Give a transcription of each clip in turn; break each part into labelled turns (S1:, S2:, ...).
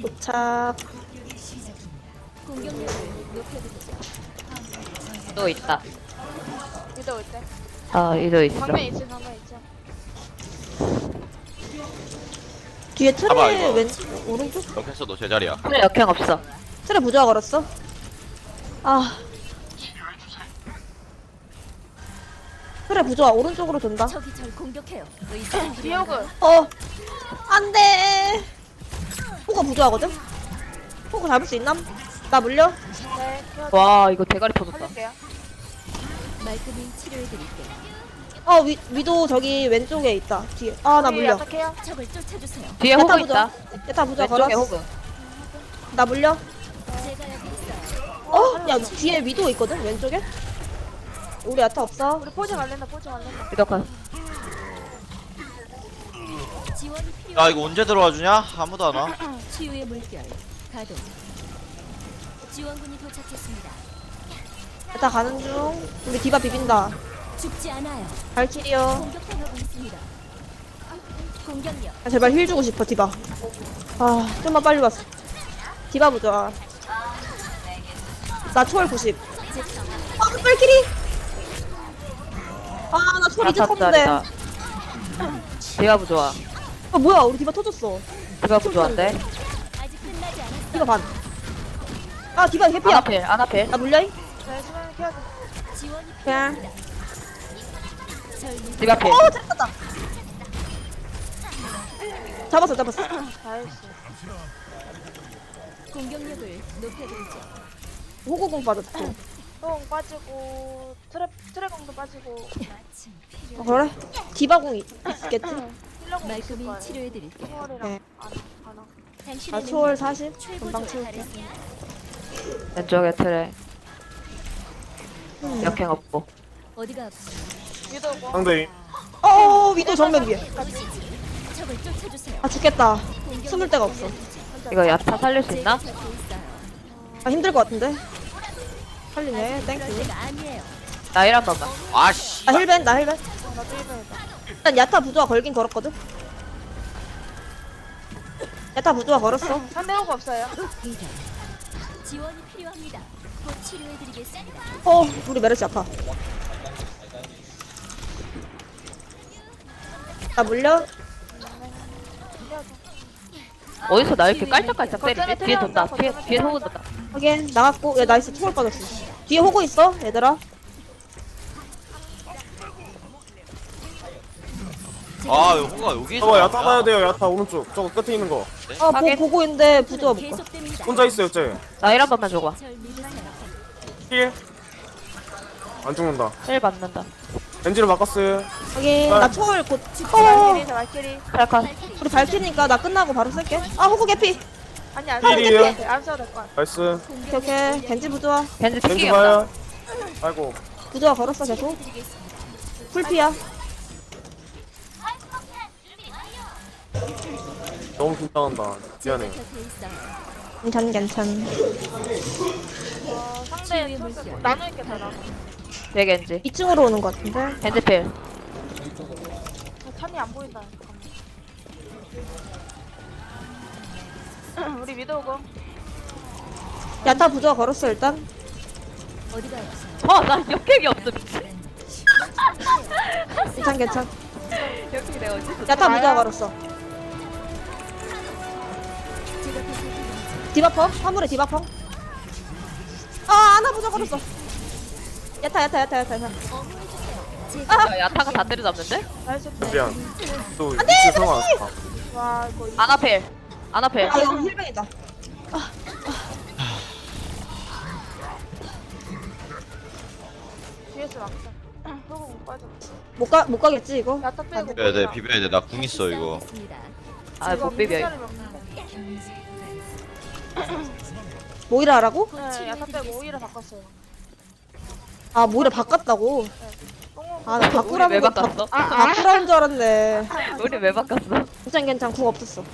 S1: 도착.
S2: 공격력을 높여드리죠.
S3: 또 있다.
S4: 위도 올 때.
S3: 이도 있어.
S4: 방면 있지, 방면 있지.
S1: 뒤에
S5: 봐봐,
S1: 틀에
S5: 이거.
S1: 왼쪽 오른쪽?
S5: 이렇게 해서 너 제자리야.
S3: 그래 역행 없어.
S1: 틀에 부조화 걸었어. 아. 틀에 부조화 오른쪽으로 돈다.
S2: 적이 절 공격해요. 의사
S4: 디오그.
S1: 안돼. 호가 부조하거든. 호가 잡을 수 있나? 나 물려?
S4: 네,
S3: 와 이거 대가리 터졌다.
S4: 살릴게요.
S2: 말끔히 치료해드릴게요.
S1: 위도 저기 왼쪽에 있다. 뒤에. 아 나
S4: 우리
S1: 물려.
S4: 어떡해요?
S2: 적을 쫓아주세요.
S3: 뒤에
S1: 야타
S3: 호그
S1: 부조화.
S3: 있다.
S1: 야타 부조화
S3: 왼쪽에
S1: 걸었어.
S3: 호그.
S1: 나 물려?
S2: 제가 여기 있어요.
S1: 야 뒤에 위도 있거든 왼쪽에. 우리 야타 없어.
S4: 우리 포즈 갈랜다, 포즈 갈랜다.
S3: 이덕한.
S2: 지원이
S5: 야
S2: 필요한
S5: 이거 언제 들어와 주냐? 아무도 안 와.
S2: 치유의 물결 가동. 지원군이 도착했습니다.
S1: 야타 가는 중. 우리 디바 비빈다.
S2: 죽지 않아요.
S1: 발키리어.
S2: 공격당하고 있습니다. 공격력.
S1: 아, 제발 힐 주고 싶어 디바. 아 좀만 빨리 왔어. 디바 보자. 나 초월 90. 아 발키리. 아 나 초월 이제 탔는데.
S3: 야타짜리다. 디가 부좋아.
S1: 아 뭐야 우리 디바 터졌어.
S3: 디가 부좋아인데.
S2: 아직 끝나지 않았어.
S1: 디바 반. 아 디바 해피야.
S3: 안아필 안아필.
S1: 나 물려잉?
S4: 네, 수면을 켜야 돼.
S2: 지원이
S1: 그냥.
S2: 필요합니다. 절 믿-
S3: 디가 필.
S1: 잡았다. 잡았어 잡았어.
S4: 나이스.
S2: 공격력을 높여드리죠.
S1: 호구공 빠졌어.
S4: 똥 빠지고, 트랩공도 빠지고,
S2: 마침 필요.
S1: 그래? 디바공 있겠지?
S4: 힐러공 있을
S2: 말끔히
S4: 거예요.
S2: 치료해드릴게요.
S4: 초월이랑
S1: 네.
S4: 가나.
S2: 당신의
S1: 나 초월
S2: 능력은
S1: 40. 금방
S2: 최고조에
S1: 채울게.
S2: 달했습니다.
S3: 왼쪽에 틀에. 역행 없고.
S2: 어디가 아프세요?
S4: 위도 뭐?
S6: 상대인
S1: 위도 정면 위에.
S2: 적을 쫓아주세요.
S1: 아 죽겠다. 숨을 데가 없어.
S3: 이거 야타 살릴 수 있나?
S2: 제가 잡고 있어요.
S1: 아 힘들 것 같은데? 살리네.
S2: 그럴
S1: 땡큐.
S2: 때가 아니에요.
S3: 나 일 한 번만.
S5: 아씨.
S1: 나 힐벤 나 힐벤.
S4: 나도 1번이다.
S1: 일단 야타 부조화 걸긴 걸었거든? 야타 부조화 걸었어.
S4: 상대호구 없어요.
S2: 이제 지원이 필요합니다. 곧 치료해드리겠습니다.
S1: 우리 메르시 아파. 나 물려?
S3: 어디서 나 이렇게 깔짝깔짝 때리지? 뒤에 돈다. 뒤에 호그 돈다.
S1: 확인. 나갔고. 야 나이스 초월 빠졌어. 뒤에 호구 있어 얘들아.
S5: 아 이거 호가 여기 있어.
S6: 저거 야타 봐야 돼요. 야타 오른쪽 저거 끝에 있는 거
S3: 확인.
S1: 보고 있는데 부조화 못 가.
S2: 계속됩니다.
S6: 혼자 있어요 쟤.
S3: 나 일 한 번만 줘봐.
S2: 절 믿으세요.
S6: 힐. 안 죽는다.
S3: 일 받는다.
S6: 엔진을 바꿨어요.
S1: 확인. 나 초월 곧.
S4: 발키리, 저 발키리.
S3: 탈칸.
S1: 우리 밝히니까 나 끝나고 바로 쓸게. 아 호구 개피.
S4: 아니, 안
S6: 힐이에요?
S4: 써도 돼. 안 써도 될 것 같아.
S6: 나이스.
S1: 오케이 오케이. 겐지 부조화.
S3: 겐지
S6: 엔진
S3: 튀기
S6: 봐요.
S3: 없다.
S6: 아이고.
S1: 부조화 걸었어 계속. 풀피야.
S6: 너무 긴장한다. 미안해.
S2: 곁에 있어요.
S1: 괜찮.
S4: 상대
S2: 치유의
S4: 초월
S2: 물결.
S4: 나눠있게 되나?
S3: 뒤에 겐지.
S1: 2층으로 오는 것 같은데.
S3: 겐지 필.
S4: 탄이 안 보인다. 잠깐만. 우리 위도우고.
S1: 야타 부조화 걸었어 일단.
S2: 어디가 아프세요?
S3: 나 역행이 없어 미친.
S1: 괜찮.
S3: 역행 내가 어디서?
S1: 야타 부조화 걸었어.
S2: 제가 보살펴드리죠.
S1: 디바펑? 화물에 디바펑? 아나 부조화 걸었어. 야타.
S2: 제가
S3: 야, 야타가 다 때려잡는데?
S4: 나이스.
S6: 미안. 또 위치 상황 안 좋다.
S4: 와, 이거
S3: 아나필. 아나필.
S1: 아 이거 힐뱅이다.
S4: 뒤에서 막자. 호구 못 빠져.
S1: 못 가겠지 이거?
S4: 야타 빼고.
S5: 비벼야 돼 비벼야 돼. 나 궁 있어 이거.
S2: 싸우겠습니다.
S3: 못 비벼. 이거.
S1: 모이라 하라고?
S4: 네, 야타 빼고 오히려 바꿨어요.
S1: 아 모이라 바꿨다고?
S4: 똥은
S1: 아 나
S3: 우리 왜
S1: 바꾸라는 거
S3: 바꿨어?
S1: 바꾸라는 줄 알았네.
S3: 우리 왜 바꿨어?
S1: 괜찮 궁 없었어.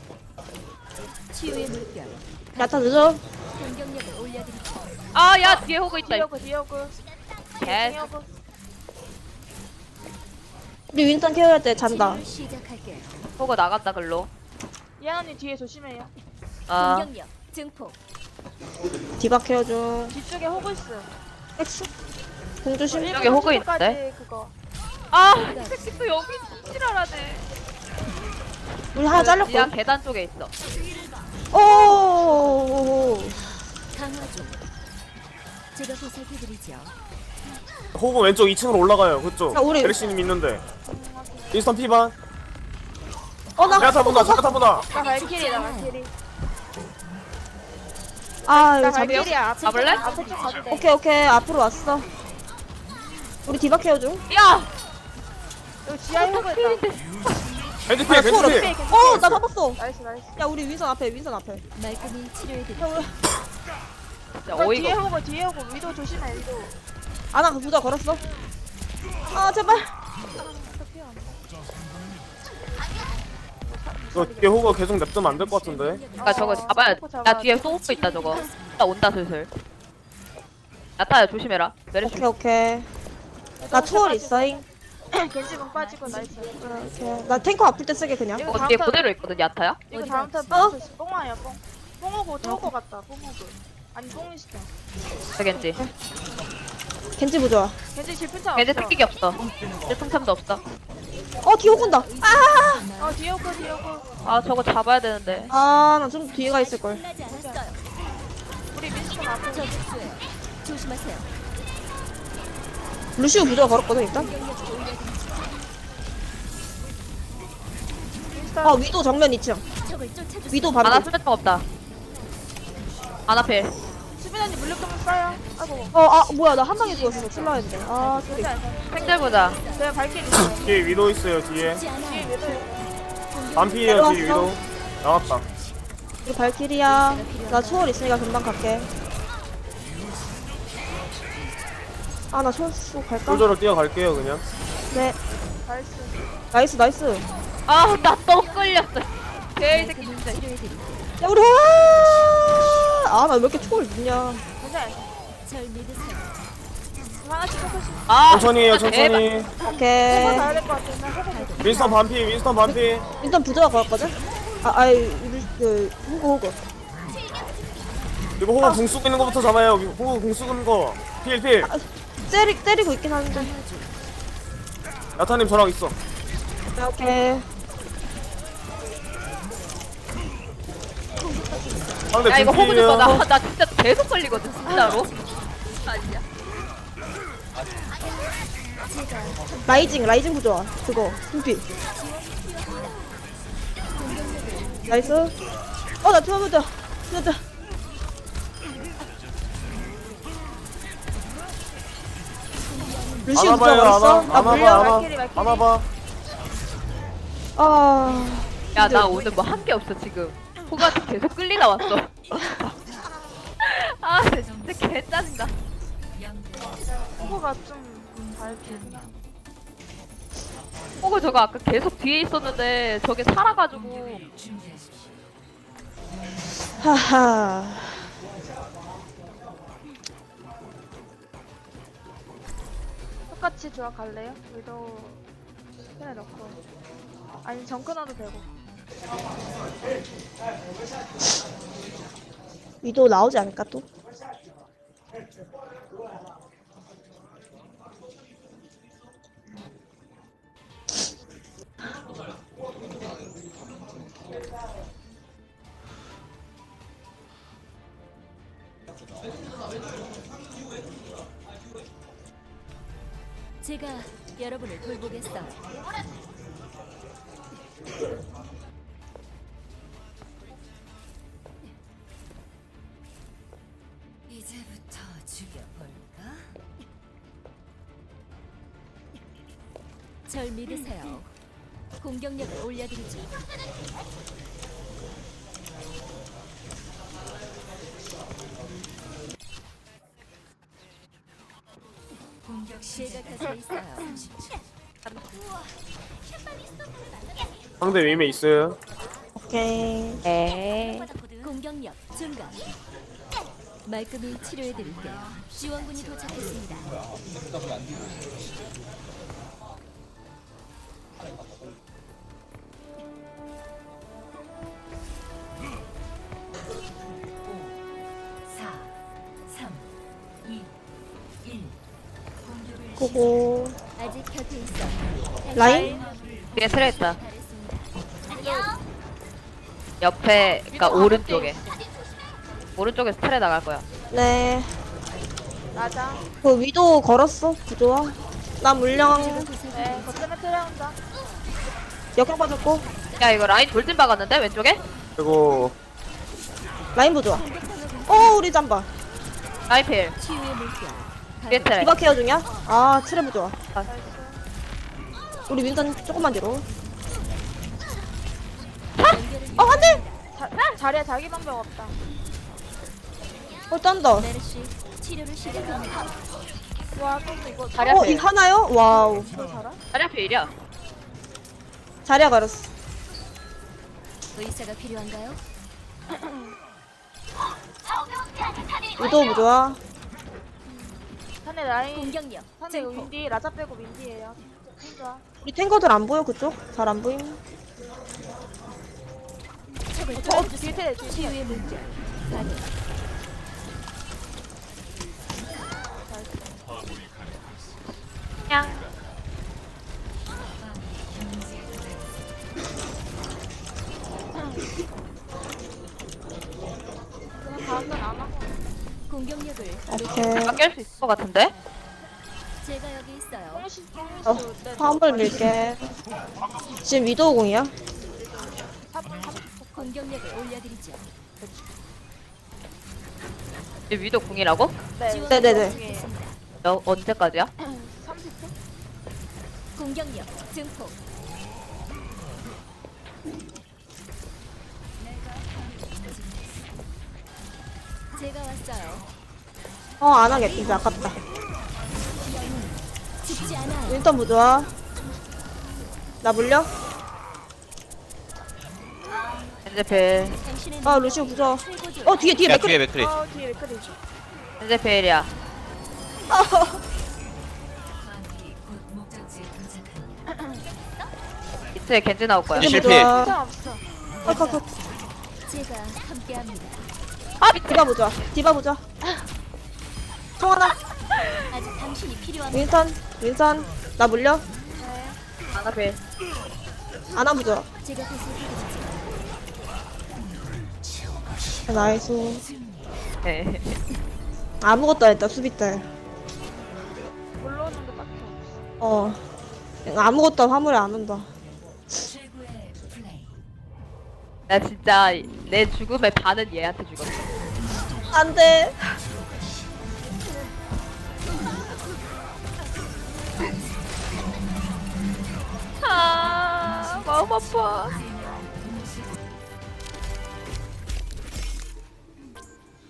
S2: 치유의 물결.
S1: 야타 늦어.
S2: 공격력을 올려드리죠.
S3: 야 뒤에 호그 있다.
S4: 디오그.
S3: 개.
S4: 디오그.
S1: 우리 윈턴 케어할 때 잔다.
S2: 치료를 시작할게요.
S3: 호그 나갔다 글로.
S4: 예언이 뒤에 조심해요.
S3: 아
S2: 공격력 증폭.
S1: 디바 케어 중.
S4: 뒤쪽에 호그 있어.
S1: 엑스. 공조심.
S3: 여기 호그 있는데?
S4: 그거.
S3: 아, 이 새끼 또 여기 지랄하네.
S1: 우리 하나
S3: 지하
S1: 잘렸고.
S3: 계단 쪽에 있어.
S1: 오.
S2: 강화 중. 제가 보살펴드리죠.
S6: 호구 왼쪽 2층으로 올라가요. 그쪽.
S1: 야, 우리-
S6: 베르시님 있는데. 인스턴 피반.
S1: 나.
S6: 자타 본다. 자타 본다.
S4: 나 발키리다 발키리.
S1: 아,
S4: 나
S1: 이거 잡.
S4: 발키리야. 앞에
S3: 잡을래?
S4: 앞에 쪽 가도 돼.
S1: 오케이. 앞으로 왔어. 우리 디바 케어 중.
S3: 야,
S4: 여기 지하에 호그 있다.
S6: 겐지 피해. 겐지
S1: 초월
S6: 피해.
S1: 나 잡았어.
S4: 나이스 나이스.
S1: 야, 우리 윈선 앞에.
S2: 말끔히 치료해드리죠.
S3: 진짜
S4: 그 뒤에
S3: 어이가.
S4: 뒤에 호그. 위도 조심해 위도.
S1: 아나 그 부자 걸었어. 아, 제발.
S6: 이거 뒤에 호구 계속 냅두면 안 될 것 같은데.
S3: 그러니까 저거 잡아야 돼. 나 뒤에 소프 있다 저거. 나 온다 슬슬. 야타야 조심해라. 메르시.
S1: 오케이. 나 초월 있어잉.
S4: 겐지공 빠지고 나이스.
S1: 오케이. 나 탱커 아플 때 쓰게 그냥.
S4: 이거
S3: 어,
S4: 다음
S3: 뒤에
S4: 턴
S3: 그대로 있거든 야타야.
S4: 이거 다음 턴 뽕. 뽕아야 뽕. 뽕호고 또 호그 같다. 뽕호그. 아니 뽕이 시켜.
S3: 되겠지.
S1: 겐지 부좋아.
S4: 겐지 질풍차
S3: 걔네
S4: 없어.
S3: 특기가 없어. 일통참도 없어.
S1: 뒤에 오군다.
S4: 뒤에 호그 뒤에 호그.
S3: 아 저거 잡아야 되는데.
S1: 나 좀 뒤에 가 있을걸.
S2: 끝나지 않았어요.
S4: 우리 민스턴 앞에
S2: 저 특수예요. 조심하세요.
S1: 루시우 부좋아 걸었거든, 일단.
S2: 공격력을 올려드리죠.
S4: 민스턴.
S1: 위도 정면 2층.
S2: 적을 쫓아주세요.
S1: 위도
S3: 아나
S1: 바로.
S3: 수면총 없다. 아나필.
S4: 수빈 언니 물력병 써요. 아이고.
S1: 뭐야, 나 한 방에 죽었어. 칠라 했는데. 소리.
S4: 괜찮아 괜찮아.
S3: 생들 보자.
S4: 제가 발키리 있어요.
S6: 뒤에 위도 있어요. 뒤에.
S2: 죽지 않아요.
S4: 뒤에 위도.
S6: 반피에요. 뒤에 위도. 나왔다.
S1: 우리 발키리야. 나 초월 있으니까 금방 갈게. 나 초월 쓰고 갈까?
S6: 솔저로 뛰어갈게요. 그냥.
S1: 네.
S4: 나이스.
S1: 나이스.
S3: 아 나 또 끌렸어. 개새끼
S2: 말끔히
S3: 진짜.
S2: 치료해드리죠.
S1: 야, 우리 나 왜 이렇게 초월 늦냐.
S4: 괜찮아.
S2: 절 믿으세요.
S4: 하나씩 호그씩.
S3: 아
S6: 천천히 해요.
S3: 진짜 대박.
S6: 천천히.
S4: 호그
S1: 오케이.
S4: 가야 될 것 같아. 나 호그.
S6: 윈스턴 반피. 윈스턴 반피.
S1: 일단 부자가 걸었거든? 호그.
S6: 이거 호구 궁 쓰고 있는 거부터 잡아요. 호구 궁 쓰고 있는 거. 필.
S1: 때리고 있긴 한데.
S6: 야타님 저랑 있어.
S1: 오케이.
S6: 상대
S3: 야 이거 호구
S6: 분필이에요.
S3: 좀 봐. 나 진짜 계속 걸리거든 진짜로. 아니야.
S1: 라이징 부좋아. 그거. 승피. 나이스. 나 들어보자. 루시우 부좋아 걸었어? 나 물려.
S4: 발키리.
S6: 안아봐.
S3: 야 나 오늘 뭐 한 게 없어 지금. 호구한테 계속 끌리다 왔어. 아 진짜 개 짜증나.
S4: 호그가 좀 발키리구나.
S3: 호구 저거 아까 계속 뒤에 있었는데 저게 살아가지고.
S1: 하하.
S4: 똑같이 조합 갈래요? 위도 스캔에 넣고. 아니 정크 넣어도 되고.
S1: 위도 나오지 않을까 또?
S2: 제가 여러분을 돌보겠어요. 이제부터 죽여볼까? 절 믿으세요. 공격력을 올려드리죠. 제가 곁에 있어요.
S6: 상대 윈에 있어요.
S1: 오케이.
S3: 에이.
S2: 공격력 증가. 말끔히 치료해드릴게요. 지원군이 도착했습니다.
S1: 보고
S2: 아직 곁에 있어.
S1: 라인?
S3: 뒤에 트레 있다. 옆에, 그니까 오른쪽에. 오른쪽에서 트레 나갈 거야.
S1: 네.
S4: 맞아.
S1: 그 위도 걸었어 부조화. 나 물량
S4: 네, 거점에 트레온다.
S1: 역경 빠졌고
S3: 야, 이거 라인 돌진 박았는데, 왼쪽에?
S6: 그리고
S1: 라인 부조화. 우리 잠바.
S3: 라인 필.
S2: 치유의 물결.
S3: 뒤에 트레.
S1: 디바 케어 중이야? 아 트레 부조화.
S3: 아,
S1: 우리 윈선 조금만 뒤로.
S2: 연결을
S1: 안돼.
S4: 자리에 자기 방법 없다.
S1: 짠다.
S2: 메르시 치료를 시작합니다.
S4: 와, 또 이거
S3: 자리야
S1: 이
S3: 필.
S1: 하나요? 와우.
S4: 너 살아?
S3: 자리야 필이야.
S1: 자리야 가렸어.
S2: 의사가 필요한가요?
S1: 위도 부조화.
S4: 산에 라인.
S2: 공격력.
S4: 산에
S2: 증폭.
S4: 윈디, 라자 빼고 윈디예요. 좋아.
S1: 우리 탱커들 안 보여 그쪽? 잘 안 보임.
S2: 적을
S4: 뒤에
S2: 도와주세요.
S4: 트레, 뒤에 트레.
S2: 치유의 물결. 가능.
S3: 그냥.
S4: 그냥 다음은 안 하고.
S2: 공격력을
S1: 오케이.
S3: 내가 깰 수 있을 것 같은데?
S2: 제가 여기 있어요.
S4: 뽕시,
S1: 어,
S4: 뽕시. 네,
S1: 화물 밀게. 지금 위도우 공이야?
S2: 공격력을 올려드리죠.
S3: 이 위도 궁이라고?
S4: 네,
S2: 지원
S1: 네네네.
S2: 부탁드리겠습니다.
S3: 언제까지야?
S4: 30초?
S2: 공격력 증폭. 제가 왔어요.
S1: 안 하겠지. 아깝다.
S2: 죽지 않아요.
S1: 윈턴 부조화. 나 물려?
S3: 현재 필.
S2: 당신의
S1: 루시우 부조화.
S2: 최고조.
S1: 뒤에
S5: 야
S1: 맥크리.
S5: 뒤에 맥크리.
S4: 뒤에 맥크리.
S3: 현재 필이야. 이틀에 겐지 나올 거야.
S5: 이 실패.
S4: 괜찮아, 없어.
S1: 컷컷컷.
S2: 제가 함께합니다.
S1: 디바 부조화. 디바 부조화. 청하나.
S2: 아직 당신이 필요합니다.
S1: 윈선. 나 물려?
S3: 하나 필.
S1: 아나 부조화.
S2: 제가 보살펴드리죠.
S1: 나이스.
S3: 네.
S1: 아무것도 안 했다 수비 때.
S4: 올라오는 게 딱히 없어.
S1: 아무것도 화물에 안 온다.
S3: 나 진짜 내 죽음의 반은 얘한테 죽었어.
S1: 안돼.
S3: 마음 아파.